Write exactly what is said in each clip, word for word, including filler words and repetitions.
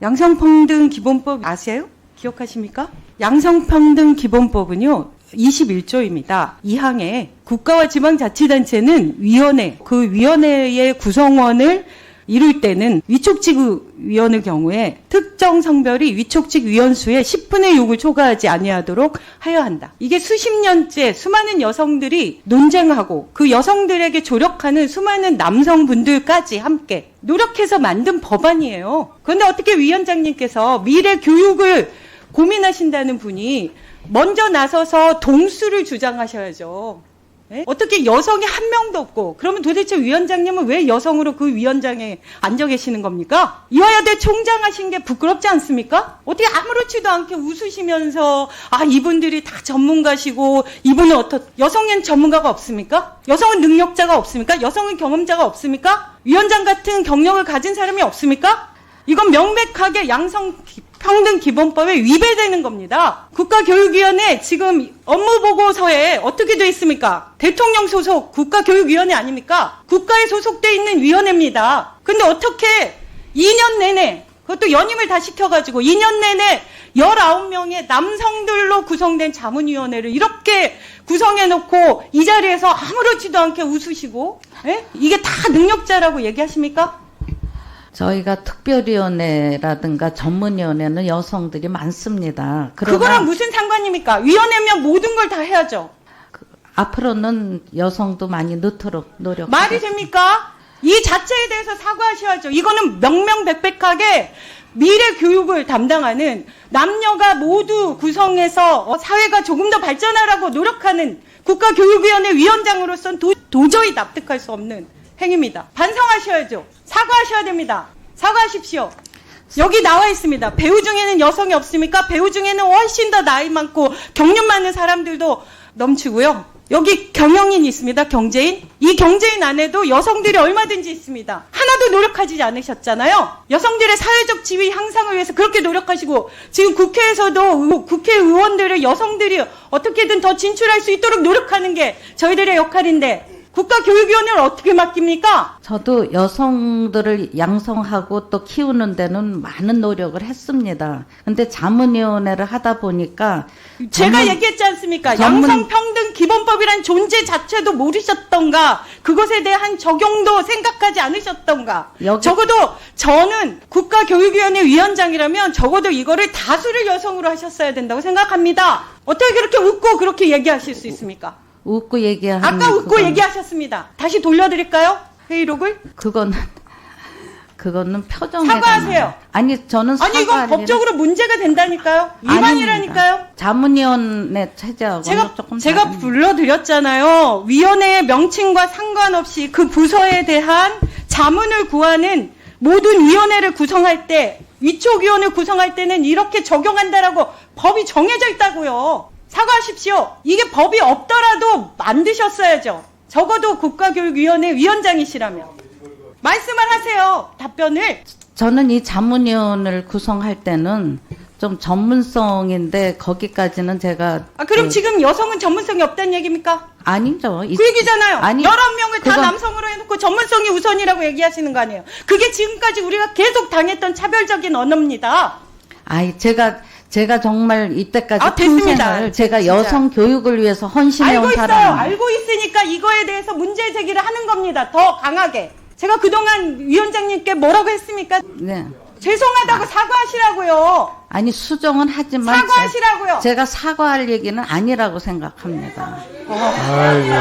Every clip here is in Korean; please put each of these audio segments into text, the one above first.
양성평등기본법 아세요? 기억하십니까? 양성평등기본법은요. 이십일 조입니다. 이 항에 국가와 지방자치단체는 위원회, 그 위원회의 구성원을 이룰 때는 위촉직위원의 경우에 특정 성별이 위촉직 위원수의 십분의 육을 초과하지 아니하도록 하여야 한다. 이게 수십 년째 수많은 여성들이 논쟁하고 그 여성들에게 조력하는 수많은 남성분들까지 함께 노력해서 만든 법안이에요. 그런데 어떻게 위원장님께서 미래 교육을 고민하신다는 분이 먼저 나서서 동수를 주장하셔야죠. 네? 어떻게 여성이 한 명도 없고, 그러면 도대체 위원장님은 왜 여성으로 그 위원장에 앉아 계시는 겁니까? 이화여대 총장 하신 게 부끄럽지 않습니까? 어떻게 아무렇지도 않게 웃으시면서, 아, 이분들이 다 전문가시고, 이분은 어떻, 여성엔 전문가가 없습니까? 여성은 능력자가 없습니까? 여성은 경험자가 없습니까? 위원장 같은 경력을 가진 사람이 없습니까? 이건 명백하게 양성평등기본법에 위배되는 겁니다. 국가교육위원회 지금 업무보고서에 어떻게 돼 있습니까? 대통령 소속 국가교육위원회 아닙니까? 국가에 소속돼 있는 위원회입니다. 근데 어떻게 이 년 내내, 그것도 연임을 다 시켜가지고 이 년 내내 열아홉 명의 남성들로 구성된 자문위원회를 이렇게 구성해놓고 이 자리에서 아무렇지도 않게 웃으시고, 에? 이게 다 능력자라고 얘기하십니까? 저희가 특별위원회라든가 전문위원회는 여성들이 많습니다. 그러나 그거랑 무슨 상관입니까? 위원회면 모든 걸 다 해야죠. 그, 앞으로는 여성도 많이 넣도록 노력. 말이 됩니까? 이 자체에 대해서 사과하셔야죠. 이거는 명명백백하게 미래 교육을 담당하는 남녀가 모두 구성해서 사회가 조금 더 발전하라고 노력하는 국가교육위원회 위원장으로서는 도, 도저히 납득할 수 없는 행위입니다. 반성하셔야죠. 사과하셔야 됩니다. 사과하십시오. 여기 나와 있습니다. 배우 중에는 여성이 없습니까? 배우 중에는 훨씬 더 나이 많고 경륜 많은 사람들도 넘치고요. 여기 경영인이 있습니다. 경제인. 이 경제인 안에도 여성들이 얼마든지 있습니다. 하나도 노력하지 않으셨잖아요. 여성들의 사회적 지위 향상을 위해서 그렇게 노력하시고 지금 국회에서도 국회의원들을 여성들이 어떻게든 더 진출할 수 있도록 노력하는 게 저희들의 역할인데 국가교육위원회를 어떻게 맡깁니까? 저도 여성들을 양성하고 또 키우는 데는 많은 노력을 했습니다. 근데 자문위원회를 하다 보니까 제가 전문, 얘기했지 않습니까? 전문, 양성평등기본법이란 존재 자체도 모르셨던가, 그것에 대한 적용도 생각하지 않으셨던가. 여기, 적어도 저는 국가교육위원회 위원장이라면 적어도 이거를 다수를 여성으로 하셨어야 된다고 생각합니다. 어떻게 그렇게 웃고 그렇게 얘기하실 수 있습니까? 웃고 얘기하는 아까 웃고 그건, 얘기하셨습니다. 다시 돌려드릴까요? 회의록을? 그거는 그거는 표정. 사과하세요. 아니 저는 사과. 아니 이건 법적으로 문제가 된다니까요. 위반이라니까요. 아닙니다. 자문위원회 체제하고 제가 조금 제가 다른... 불러드렸잖아요. 위원회의 명칭과 상관없이 그 부서에 대한 자문을 구하는 모든 위원회를 구성할 때, 위촉위원회를 구성할 때는 이렇게 적용한다라고 법이 정해져 있다고요. 사과하십시오. 이게 법이 없더라도 만드셨어야죠. 적어도 국가교육위원회 위원장이시라면. 말씀을 하세요. 답변을. 저는 이 자문위원회를 구성할 때는 좀 전문성인데 거기까지는 제가. 아, 그럼 그, 지금 여성은 전문성이 없다는 얘기입니까? 아니죠. 그 얘기잖아요. 아니, 열한 명을 다 그건, 남성으로 해놓고 전문성이 우선이라고 얘기하시는 거 아니에요. 그게 지금까지 우리가 계속 당했던 차별적인 언어입니다. 아이, 제가 제가 정말 이때까지 아, 됐습니다. 평생을 제가 진짜. 여성 교육을 위해서 헌신해온 알고 있어요. 사람. 알고 있으니까 이거에 대해서 문제 제기를 하는 겁니다. 더 강하게. 제가 그동안 위원장님께 뭐라고 했습니까? 네. 죄송하다고 아. 사과하시라고요. 아니 수정은 하지만 사과하시라고요. 제, 제가 사과할 얘기는 아니라고 생각합니다. 어. 아이고.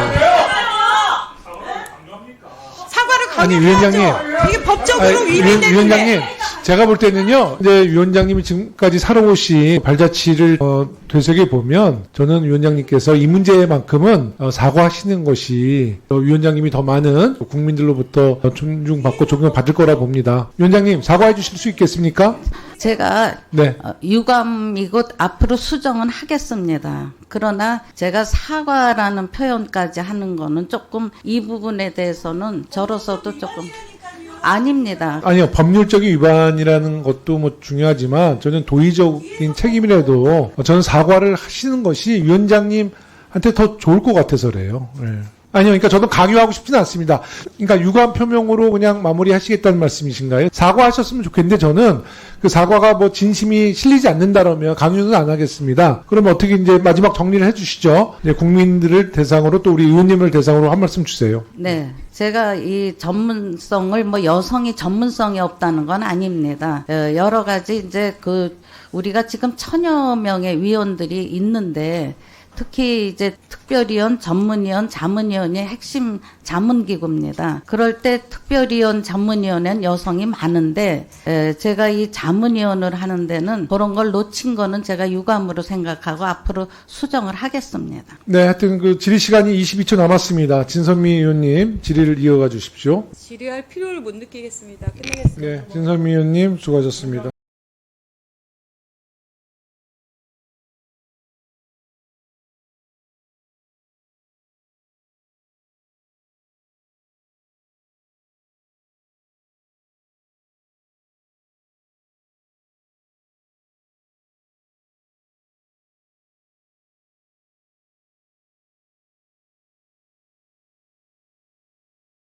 사과를 아니, 강요해야죠. 위원장님. 이게 법적으로 아니, 위반되는데. 위원장님, 제가 볼 때는요, 이제 위원장님이 지금까지 살아오신 발자취를 어, 되새겨 보면 저는 위원장님께서 이 문제만큼은 어, 사과하시는 것이 어, 위원장님이 더 많은 국민들로부터 존중받고 존경받을 거라 봅니다. 위원장님, 사과해 주실 수 있겠습니까? 제가 네. 어, 유감이고 앞으로 수정은 하겠습니다. 그러나 제가 사과라는 표현까지 하는 거는 조금 이 부분에 대해서는 저로서도 조금 아닙니다. 아니요, 법률적인 위반이라는 것도 뭐 중요하지만 저는 도의적인 책임이라도 저는 사과를 하시는 것이 위원장님한테 더 좋을 것 같아서 그래요. 네. 아니요, 그러니까 저도 강요하고 싶지는 않습니다. 그러니까 유감 표명으로 그냥 마무리하시겠다는 말씀이신가요? 사과하셨으면 좋겠는데 저는 그 사과가 뭐 진심이 실리지 않는다라면 강요는 안 하겠습니다. 그럼 어떻게 이제 마지막 정리를 해주시죠? 이제 국민들을 대상으로 또 우리 의원님을 대상으로 한 말씀 주세요. 네. 제가 이 전문성을 뭐 여성이 전문성이 없다는 건 아닙니다. 어, 여러 가지 이제 그 우리가 지금 천여 명의 위원들이 있는데 특히 이제 특별위원, 전문위원, 자문위원이 핵심 자문기구입니다. 그럴 때 특별위원, 전문위원은 여성이 많은데 에, 제가 이 자문위원을 하는 데는 그런 걸 놓친 거는 제가 유감으로 생각하고 앞으로 수정을 하겠습니다. 네, 하여튼 그 질의 시간이 이십이 초 남았습니다. 진선미 의원님 질의를 이어가 주십시오. 질의할 필요를 못 느끼겠습니다. 끝내겠습니다. 네, 진선미 의원님 수고하셨습니다.